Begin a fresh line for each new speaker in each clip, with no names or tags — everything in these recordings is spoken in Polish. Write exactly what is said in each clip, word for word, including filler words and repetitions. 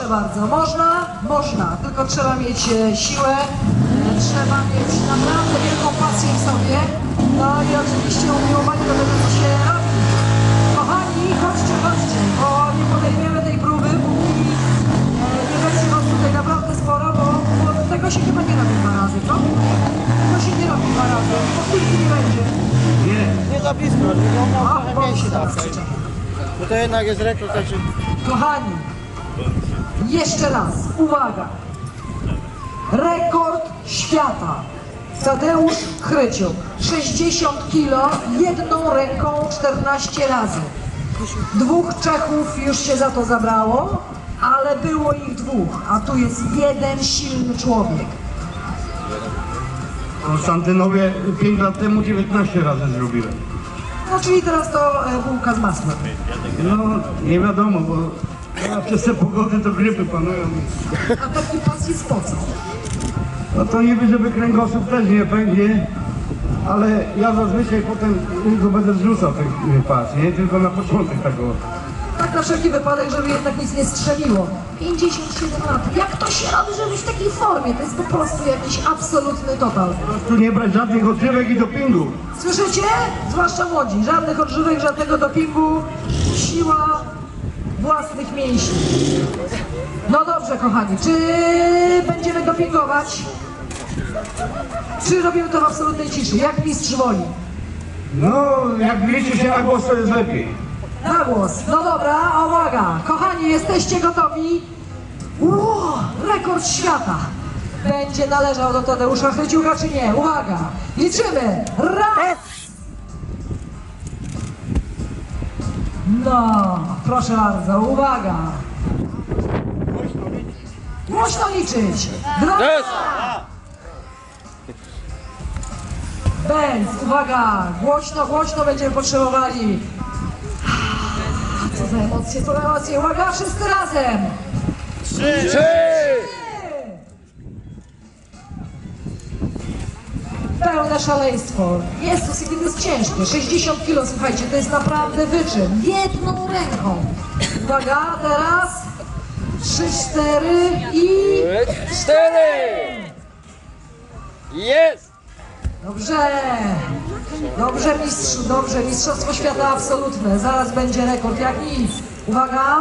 bardzo. Można? Można. Tylko trzeba mieć e, siłę, e, trzeba mieć naprawdę wielką pasję w sobie. No i oczywiście umiłowanie do tego, co się robi. Kochani, chodźcie, chodźcie, bo nie podejmiemy tej próby, póki e, nie będzie was tutaj naprawdę sporo, bo, bo tego się chyba nie robi dwa razy, co? Tego się nie robi dwa razy, powtórki nie będzie.
Nie,
Nie za blisko, tylko on miał
A,
trochę mniejszy
teraz
tak.
krzyczę.
Bo to jednak jest rekord, także...
Kochani, jeszcze raz, uwaga. Rekord świata. Tadeusz Chryciuk, sześćdziesiąt kilo, jedną ręką czternaście razy. Dwóch Czechów już się za to zabrało, ale było ich dwóch, a tu jest jeden silny człowiek.
w Konstantynowie pięć lat temu dziewiętnaście razy zrobiłem.
No czyli teraz to e, bułka z masłem.
No, nie wiadomo, bo teraz przez te pogody to grypy panują.
A taki pas jest po co?
No to niby, żeby kręgosłup też nie pęknie, ale ja zazwyczaj potem tylko będę zrzucał ten pas, nie? Tylko na początek tego.
Tak na wszelki wypadek, żeby jednak nic nie strzeliło. pięćdziesiąt siedem lat. Jak to się robi, żeby być w takiej formie? To jest po prostu jakiś absolutny total.
Po prostu nie brać żadnych odżywek i dopingu.
Słyszycie? Zwłaszcza młodzi. Żadnych odżywek, żadnego dopingu. Siła własnych mięśni. No dobrze, kochani. Czy będziemy dopingować? Czy robimy to w absolutnej ciszy? Jak mistrz woli?
No, jak liczy się na głos, to jest lepiej.
Na głos. No dobra, uwaga. Kochani, jesteście gotowi? Ło, rekord świata. Będzie należał do Tadeusza Chryciuka, czy nie? Uwaga. Liczymy. Raz. No, proszę bardzo, uwaga. Głośno liczyć. Dwa. Benz, uwaga. Głośno, głośno będziemy potrzebowali. Co za emocje, co za emocje. Uwaga, wszyscy razem.
Trzy!
Pełne szaleństwo. Jezus, jakie to jest ciężkie. sześćdziesiąt kilo, słuchajcie, to jest naprawdę wyczyn. Jedną ręką. Uwaga, teraz. Trzy, cztery i...
Cztery! Jest!
Dobrze. Dobrze, mistrzu, dobrze. Mistrzostwo świata absolutne. Zaraz będzie rekord, jak nic. Uwaga.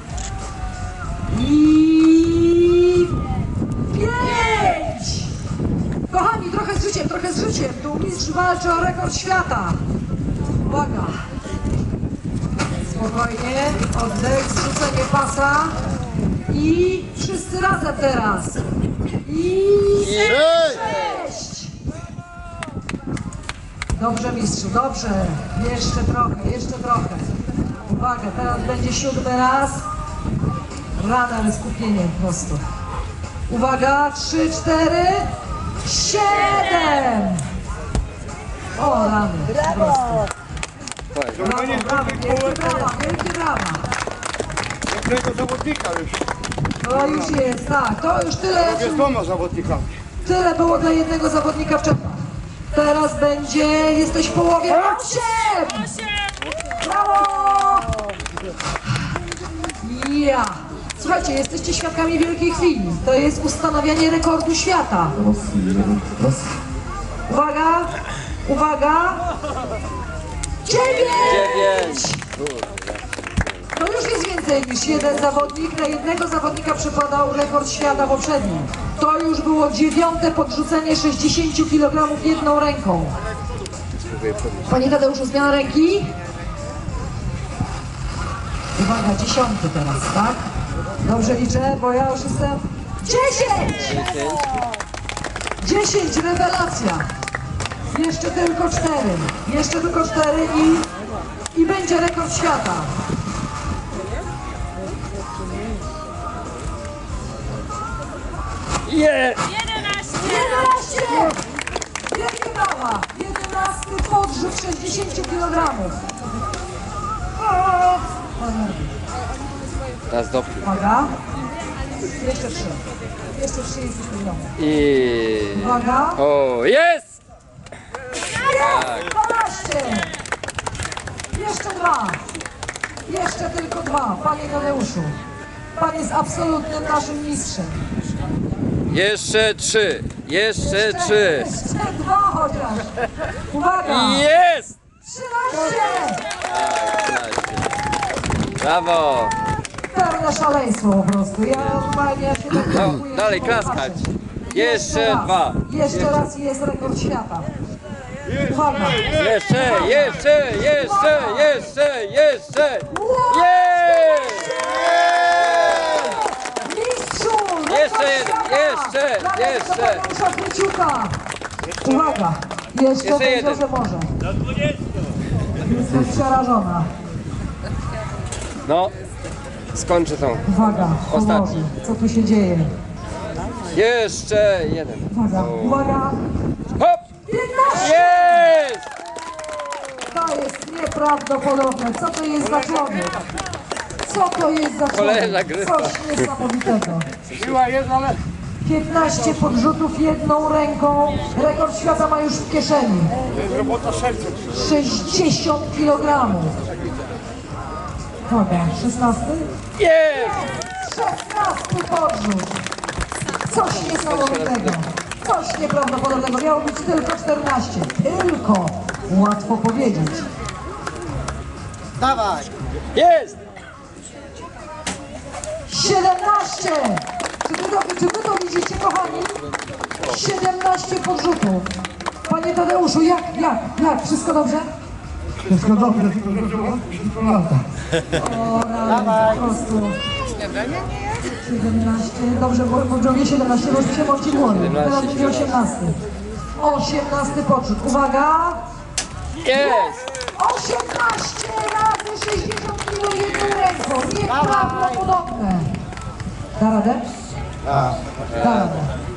I... Pięć! Kochani, trochę z życiem, trochę z życiem. Tu mistrz walczy o rekord świata. Uwaga. Spokojnie. Oddech, zrzucenie pasa. I wszyscy razem teraz. I... Sześć! Dobrze, mistrzu, dobrze. Jeszcze trochę, jeszcze trochę. Uwaga, teraz będzie siódmy raz. Rada, ale skupienie po prostu. Uwaga, trzy, cztery, siedem! O, rany, po prostu. Brawo, brawo, wielkie brawa, wielkie brawa.
Jednego zawodnika już.
To już jest, tak, to już tyle,
Z dwoma zawodnikami.
tyle było dla jednego zawodnika w Czechach. Teraz będzie, jesteś w połowie, osiem! Brawo! Ja! Słuchajcie, jesteście świadkami wielkiej chwili. To jest ustanawianie rekordu świata. Uwaga! Uwaga! Dziewięć! To już jest więcej niż jeden zawodnik. Na jednego zawodnika przypadał rekord świata poprzedni. To już było dziewiąte podrzucenie sześćdziesiąt kilogramów jedną ręką. Panie Tadeuszu, zmiana ręki? Uwaga, dziesiąty teraz, tak? Dobrze liczę, bo ja już jestem... Dziesięć! Dziesięć, rewelacja! Jeszcze tylko cztery. Jeszcze tylko cztery i... i będzie rekord świata.
Je!
jedenaście! Wielkie brawa! jedenasty podrzut sześćdziesiąt kilogramów.
Teraz dopół.
Uwaga. Jeszcze trzy. Jeszcze trzydzieści kilogramów.
I...
Uwaga.
O, jest!
Jest! dwanaście! Jeszcze dwa. Jeszcze tylko dwa, panie Tadeuszu. Pan jest absolutnym naszym mistrzem.
Jeszcze trzy. Jeszcze trzy.
Jeszcze dwa chociaż. Uwaga!
Jest!
trzynaście!
Brawo!
Pełne szaleństwo po prostu. Ja normalnie ja się tak
No,
dziękuję,
dalej
że
klaskać.
zobaczę.
Jeszcze
raz.
dwa.
Jeszcze raz i jest rekord świata. Uwaga!
Jeszcze, jeszcze, jeszcze, jeszcze, jeszcze! Jest!
Mistrzu!
Jeszcze jeden,
świata!
jeszcze,
Dla
jeszcze.
Tadeusza Kmieciuka. Uwaga! Jeszcze
Jeszcze
będzie,
jeden.
że może. Jestem przerażona.
No, skończę tą.
Uwaga, o
Ostatni.
Boże, co tu się dzieje?
Jeszcze jeden.
Uwaga, uwaga!
Hop!
piętnaście!
Jest!
To jest nieprawdopodobne. Co to jest za człowiek? Co to jest za
Kolejna
człowiek?
gryfa.
Coś niesamowitego.
Siła jest, ale...
piętnaście podrzutów jedną ręką. Rekord świata ma już w kieszeni.
Robota serca.
sześćdziesiąt kilogramów. Uwaga, szesnasty?
Jest!
szesnasty podrzut. Coś niesamowitego. Coś nieprawdopodobnego. Miało być tylko czternaście. Tylko. Łatwo powiedzieć.
Dawaj!
Jest!
siedemnaście! Czy wy, to, czy wy to widzicie, kochani? siedemnaście podrzutów. Panie Tadeuszu, jak, jak, jak? Wszystko dobrze?
Wszystko dobrze, tylko że wszystko lata.
O, rany, po prostu. siedemnaście, dobrze, bo bo drogie siedemnaście, bo już mi się mąci głowy. Teraz będzie osiemnasty. osiemnasty podrzut. Uwaga!
Jest!
osiemnaście razy sześćdziesiąt kilo jedną ręką. Nieprawdopodobne. Da radę? Da radę.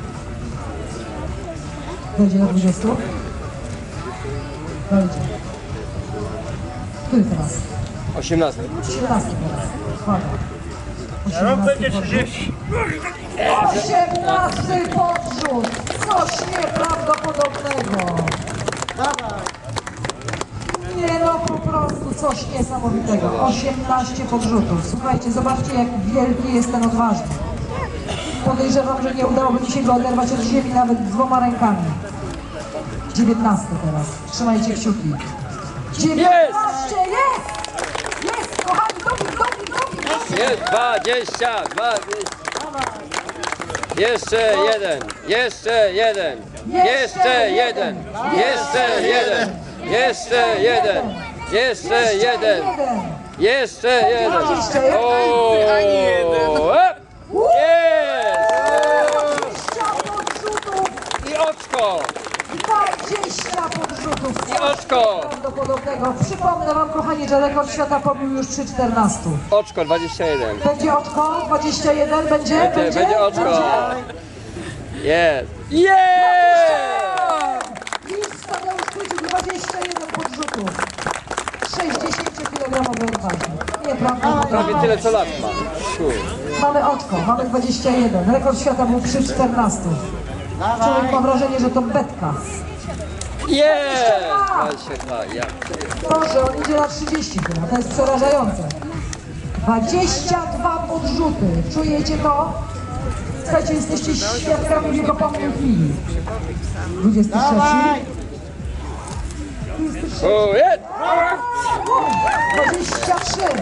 Dojdzie do dwudziestu? Dojdzie. Który teraz?
osiemnasty.
siedemnasty teraz. Uwaga. osiemnasty podrzut. osiemnasty podrzut. Coś nieprawdopodobnego. Nie no, po prostu coś niesamowitego. osiemnaście podrzutów. Słuchajcie, zobaczcie, jak wielki jest ten odważny. Podejrzewam, że nie udałoby mi się go oderwać od ziemi nawet dwoma rękami. dziewiętnasty teraz. Trzymajcie kciuki. dziewiętnaście! Jest! Jest! Kochani, dobry, dobry, dobry, dobry!
Jest dwadzieścia, dwadzieścia. Jeszcze jeden, jeszcze jeden, jeszcze jeden, jeszcze jeden, jeszcze jeden, jeszcze jeden, jeszcze jeden. O, hop! Jest!
dwadzieścia podrzutów!
I oczko!
dwadzieścia podrzutów!
I oczko!
Prawdopodobnego. Przypomnę wam, kochani, że rekord świata pobił już przy czternastu.
Oczko dwadzieścia jeden.
Będzie oczko? dwadzieścia jeden? Będzie?
Będzie, będzie oczko. Jest! Jest!
Mistrz Tadeusz Kmieciuk, dwadzieścia jeden podrzutów. sześćdziesięciokilogramowy odważnik. Nieprawdopodobne.
Prawie tyle co lat ma. Kur.
Mamy oczko, mamy dwadzieścia jeden. Rekord świata był przy czternastu. Człowiek ma wrażenie, że to betka.
Jest! dwadzieścia dwa, ja.
Boże, on idzie na trzydzieści chyba, to jest przerażające. dwadzieścia dwa podrzuty, czujecie to? Słuchajcie, jesteście świadkami jego pomnej chwili. dwudziesty trzeci.
O, jest!
dwadzieścia trzy.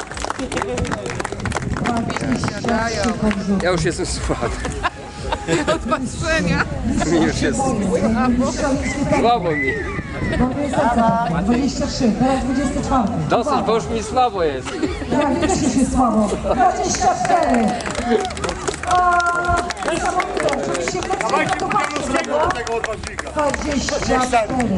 dwadzieścia trzy podrzuty.
Ja już jestem słaby.
Od patrzenia.
Mi już jest słabo mi.
dwadzieścia trzy, teraz dwudziesty czwarty.
Dosyć, bo już mi słabo jest.
Ja mi też już jest słabo. dwadzieścia cztery. A, niesamowite. Oczywiście wreszcie na to patrzę, prawda? dwadzieścia cztery.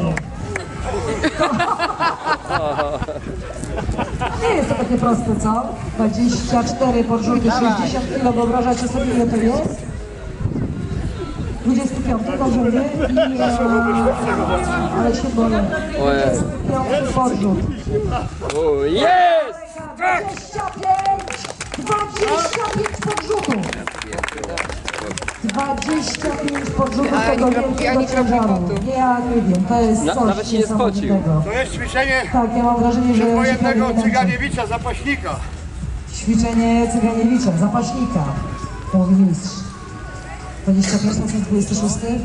Nie jest to takie proste, co? dwadzieścia cztery podrzuty, sześćdziesiąt kilo. Wyobrażacie sobie, ile to jest? dwudziesty piąty, dobrze mówię? I, e, ale się boję. dwudziesty piąty podrzut.
O, jest!
dwadzieścia pięć! dwadzieścia pięć podrzutów! dwadzieścia pięć podrzutów
A,
tego
ja nie- ja
wielkiego
nie robię
ciężaru.
potu.
Nie, ja nie wiem, to jest
Na-
coś
nawet się nie spocił.
niesamowitego.
To jest ćwiczenie
Tak, ja mam wrażenie, że...
wojennego
że-
Cyganiewicza, zapaśnika.
Ćwiczenie Cyganiewicza, zapaśnika, mówi mistrz. dwadzieścia pięć na dwadzieścia sześć.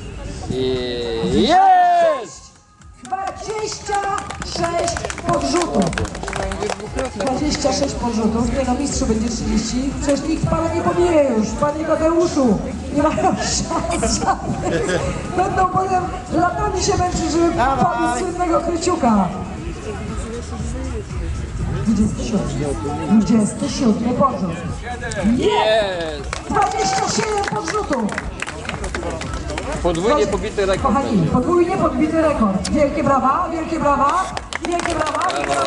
I jest!
dwadzieścia sześć podrzutów. dwadzieścia sześć podrzutów. Nie no, mistrzu będzie trzydzieści. Przecież nikt pana nie pobije już. Panie Tadeuszu, nie mają szans żadnych. Będą potem latami się męczyć, żeby pobić słynnego Kryciuka. dwudziesty siódmy. dwudziesty siódmy podrzut.
Jest!
dwadzieścia siedem podrzutów.
Podwójnie pobity rekord.
Kochani, podwójnie podbity rekord. Wielkie brawa, wielkie brawa, wielkie brawa.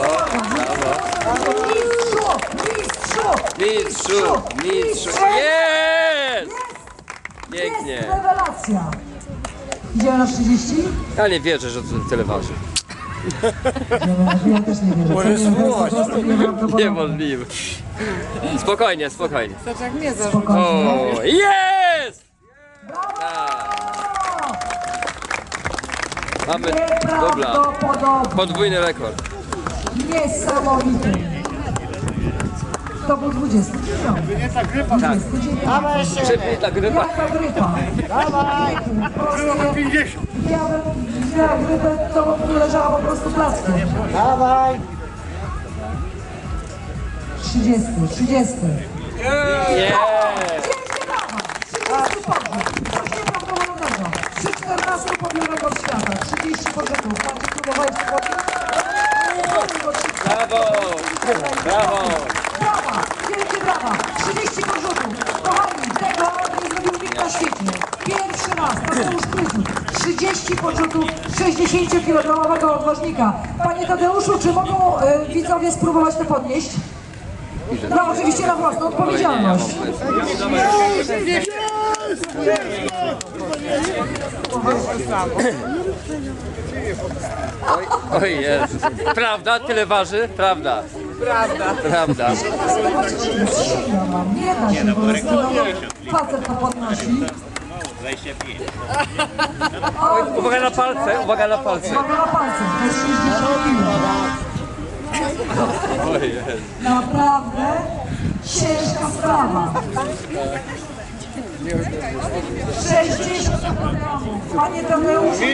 Mistrzu, mistrzu,
Mistrzu, mistrzu, jest! Pięknie.
Jest rewelacja. Idziemy na trzydzieści?
Ja nie wierzę, że to tyle waży.
Nie, ja też nie wierzę. Może spróbować.
Niemożliwe. Spokojnie, spokojnie.
Zobacz jak mnie zarzucił.
Spokojnie.
O, jest! Mamy, dobra,
Nieprawdopodobne.
podwójny rekord.
Niesamowity. To był dwudziesty dziewiąty. dwudziesty dziewiąty.
Szybciej ta grypa.
Jaka grypa? Dawaj! Ja bym miała grypę, to bym leżała po prostu plackiem. Dawaj! trzydziesty, trzydziesty.
Jest!
Wielkie brawa! trzydziesty podrzut. Coś nieprawdopodobnego. Przy czternastym podbił rekord świata. trzydzieści podrzutów. Macie próbowałeś wchodzić?
Brawo! Brawo!
Brawa! Wielkie brawa! trzydzieści podrzutów! Kochani, tego nie zrobił nikt na świecie. Pierwszy raz, Tadeusz Kryciuk. trzydzieści podrzutów sześćdziesięciokilogramowego odważnika. Panie Tadeuszu, czy mogą e, widzowie spróbować to podnieść? No oczywiście na własną odpowiedzialność.
Oj, oj jest. Prawda? Tyle waży? Prawda.
Prawda.
Prawda.
Ja mam, nie da się po prostu, no, facet to podnosi. O,
Uwaga na palce, uwaga na palce.
uwaga na palce, to jest sześćdziesiąt kilo.
Oj jest.
Naprawdę ciężka sprawa. sześćdziesiąt kilogramów. Panie Tadeuszu,